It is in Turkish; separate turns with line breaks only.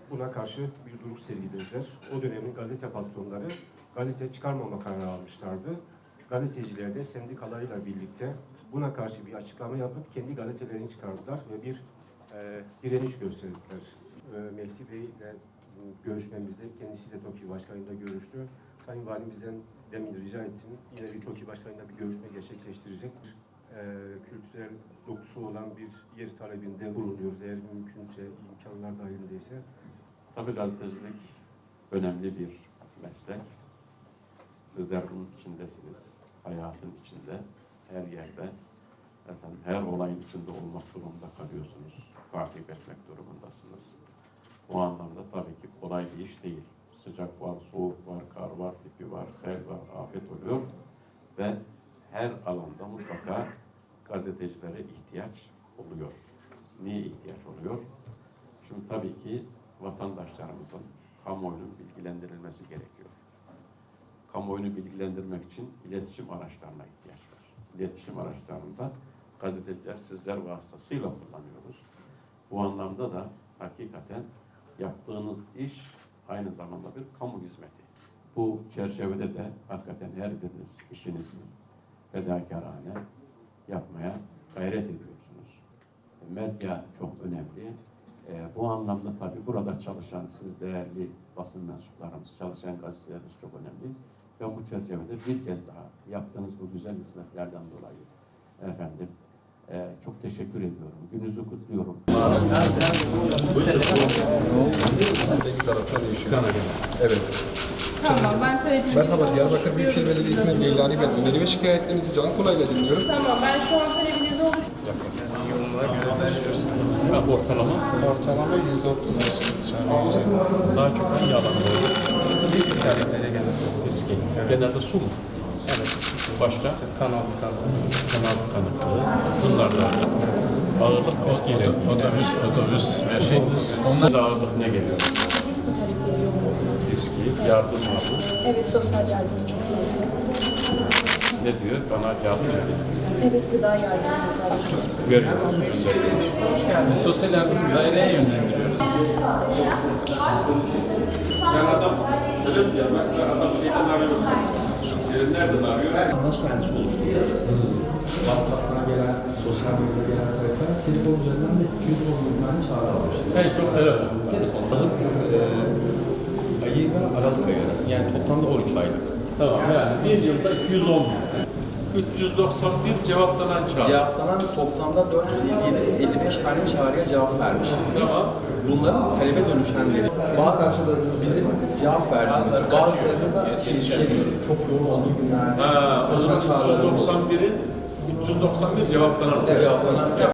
buna karşı bir duruş sergilediler. O dönemin gazete patronları gazete çıkarmama kararı almışlardı. Gazeteciler de sendikalarıyla birlikte buna karşı bir açıklama yapıp kendi gazetelerini çıkardılar ve bir direniş gösterdiler. Mehdi Bey ile görüşmemizde kendisiyle TOKİ Başkanı'yla görüştü. Sayın Valimizden demin rica ettim. Yine bir TOKİ Başkanı'yla bir görüşme gerçekleştirecek. Kültürel dokusu olan bir yer talebinde bulunuyoruz. Eğer mümkünse, imkanlar dahilindeyse.
Tabii gazetecilik önemli bir meslek. Sizler bunun içindesiniz. Hayatın içinde, her yerde, her olayın içinde olmak durumunda kalıyorsunuz. Takip etmek durumundasınız. Bu anlamda tabii ki kolay bir iş değil. Sıcak var, soğuk var, kar var, tipi var, sel var, afet oluyor ve her alanda mutlaka gazetecilere ihtiyaç oluyor. Niye ihtiyaç oluyor? Şimdi tabii ki vatandaşlarımızın kamuoyunun bilgilendirilmesi gerekiyor. Kamuoyunu bilgilendirmek için iletişim araçlarına ihtiyaç var. İletişim araçlarında gazeteciler sizler vasıtasıyla kullanıyoruz. Bu anlamda da hakikaten yaptığınız iş aynı zamanda bir kamu hizmeti. Bu çerçevede de hakikaten her biriniz işinizi fedakarane yapmaya gayret ediyorsunuz. Medya çok önemli. Bu anlamda tabii burada çalışan siz değerli basın mensuplarımız, çalışan gazetelerimiz çok önemli. Ben bu çerçevede bir kez daha yaptığınız bu güzel hizmetlerden dolayı efendim çok teşekkür ediyorum. Gününüzü kutluyorum.
Evet.
Tamam, ben talebimi...
Merhaba, Diyarbakır Büyükşehir Belediyesi'nden Geylani ben. Öneri ve şikayetlerinizi Can Kolay'la dinliyorum.
Tamam, ben şu an talebinizi oluşturdum.
Ortalama 130 Daha çok hangi alanda olur? Risk taleplere genelde. Riski. Evet. Genelde su mu? Evet. Başka? Kanat kanıklığı. Bunlar da ağırlık riskiyle. Otobüs ve şey. Onlar da ağırlık ne geliyor?
Riski talepleri yoğun oluyor.
Riski, yardım alın.
Evet, sosyal yardımı çok fazla.
Ne diyor? Bana yardım edin.
Evet, gıda yardımımız var.
Veriyoruz.
Hoş geldiniz. Sosyal yardım daireye yönlendiriyoruz.
Yani adam şöyle diyor, mesela adam şeyden arıyor. Nereden arıyor?
Vatandaş kendisi oluşturmuş. WhatsApp'tan gelen, sosyal medyada gelen talepler, telefon üzerinden de 210 tane çağrı almışız.
Sen çok telefon.
Telefondalık ayıyla Aralık ayı arası, yani toplamda 13 aylık.
Tamam, yani bir yılda 210 391 cevaplanan çağrı.
Cevaplanan toplamda 455 tane çağrıya cevap vermişiz biz.
Tamam.
Bunların talebe dönüşenleri. Bizim cevap verdiğimiz bazılarında yetişemiyoruz. Çok yoğun olduğu günlerde.
O zaman 391'in 391 cevaplanan.